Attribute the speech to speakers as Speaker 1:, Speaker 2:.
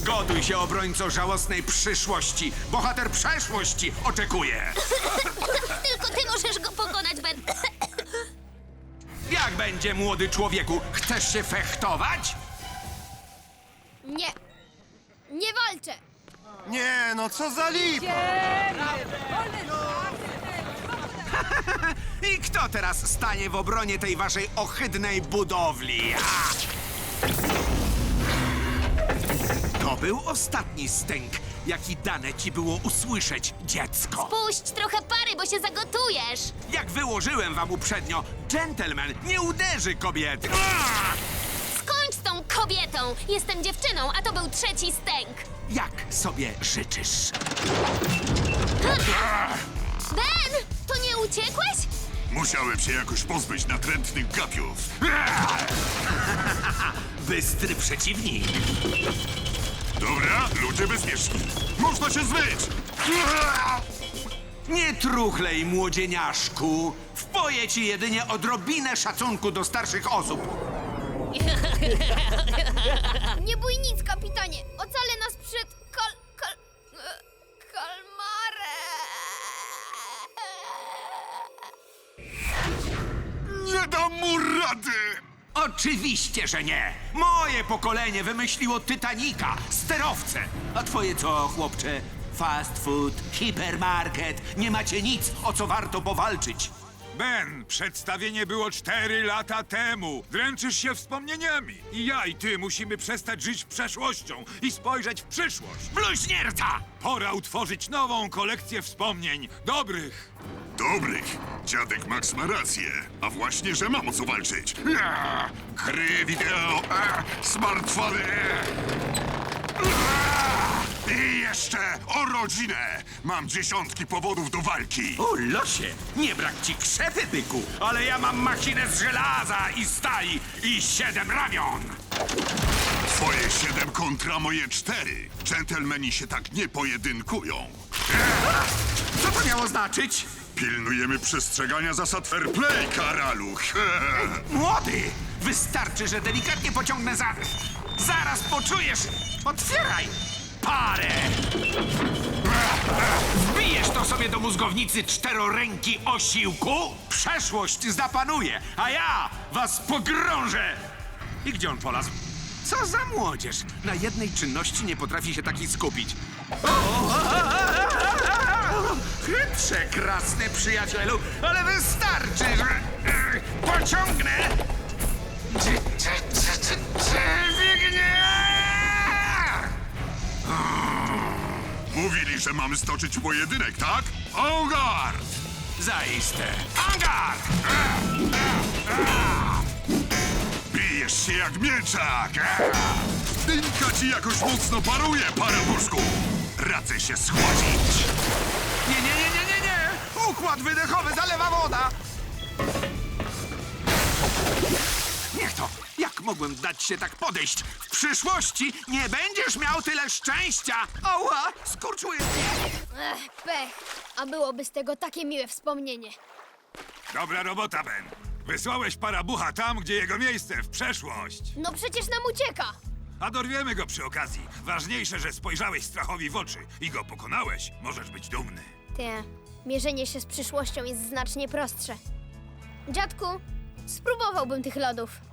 Speaker 1: Zgotuj się, obrońco żałosnej przyszłości. Bohater przeszłości oczekuje.
Speaker 2: Tylko ty możesz go pokonać, Ben.
Speaker 1: Jak będzie, młody człowieku? Chcesz się fechtować?
Speaker 2: Nie. Nie walczę.
Speaker 3: Nie, no co za lipa!
Speaker 1: I kto teraz stanie w obronie tej waszej ohydnej budowli? To był ostatni stęk, jaki dane ci było usłyszeć, dziecko.
Speaker 2: Puść trochę pary, bo się zagotujesz.
Speaker 1: Jak wyłożyłem wam uprzednio, dżentelmen nie uderzy kobiety.
Speaker 2: Skończ z tą kobietą. Jestem dziewczyną, a to był trzeci stęk.
Speaker 1: Jak sobie życzysz?
Speaker 2: Ben, to nie uciekłeś?
Speaker 4: Musiałem się jakoś pozbyć natrętnych gapiów.
Speaker 1: Bystry przeciwnik.
Speaker 4: Dobra, ludzie bezpieczni. Można się zmyć!
Speaker 1: Nie truchlej, młodzieniaszku. Wpoję ci jedynie odrobinę szacunku do starszych osób.
Speaker 2: Nie bój nic, kapitanie. Ocalę nas przed kalmarem.
Speaker 4: Nie dam mu rady!
Speaker 1: Oczywiście, że nie. Moje pokolenie wymyśliło Titanica, sterowce. A twoje co, chłopcze? Fast food, hipermarket. Nie macie nic, o co warto powalczyć.
Speaker 5: Ben, przedstawienie było 4 lata temu. Dręczysz się wspomnieniami. I ja, i ty musimy przestać żyć przeszłością i spojrzeć w przyszłość.
Speaker 1: Bluźnierca!
Speaker 5: Pora utworzyć nową kolekcję wspomnień. Dobrych.
Speaker 4: Dobrych. Dziadek Max ma rację. A właśnie, że mam o co walczyć. Gry wideo, smartfony. I jeszcze o rodzinę. Mam dziesiątki powodów do walki.
Speaker 1: O losie, nie brak ci krzepy, byku, ale ja mam machinę z żelaza i stali i 7 ramion.
Speaker 4: Twoje 7 kontra moje 4. Dżentelmeni się tak nie pojedynkują.
Speaker 1: Co to miało znaczyć?
Speaker 4: Pilnujemy przestrzegania zasad fair play, karaluch.
Speaker 1: Młody, wystarczy, że delikatnie pociągnę za... Zaraz poczujesz! Otwieraj! Parę! Wbijesz to sobie do mózgownicy czteroręki osiłku? Przeszłość zapanuje, a ja was pogrążę! I gdzie on polazł? Co za młodzież! Na jednej czynności nie potrafi się taki skupić. Chytrze, krasny przyjacielu, ale wystarczy, że pociągnę. Dźwignię!
Speaker 4: Mówili, że mamy stoczyć pojedynek, tak? En garde!
Speaker 1: Zaiste. Angard!
Speaker 4: Bijesz się jak mieczak! Dynka ci jakoś mocno paruje, parabuszku! Radzę się schłodzić!
Speaker 1: Nie! Układ wydechowy zalewa woda! Niech to! Jak mogłem dać się tak podejść? W przyszłości nie będziesz miał tyle szczęścia! Ała! Skurczuję!
Speaker 2: Pech. A byłoby z tego takie miłe wspomnienie.
Speaker 5: Dobra robota, Ben. Wysłałeś parabucha tam, gdzie jego miejsce, w przeszłość.
Speaker 2: No przecież nam ucieka.
Speaker 5: A dorwiemy go przy okazji. Ważniejsze, że spojrzałeś strachowi w oczy i go pokonałeś. Możesz być dumny.
Speaker 2: Te, mierzenie się z przyszłością jest znacznie prostsze. Dziadku, spróbowałbym tych lodów.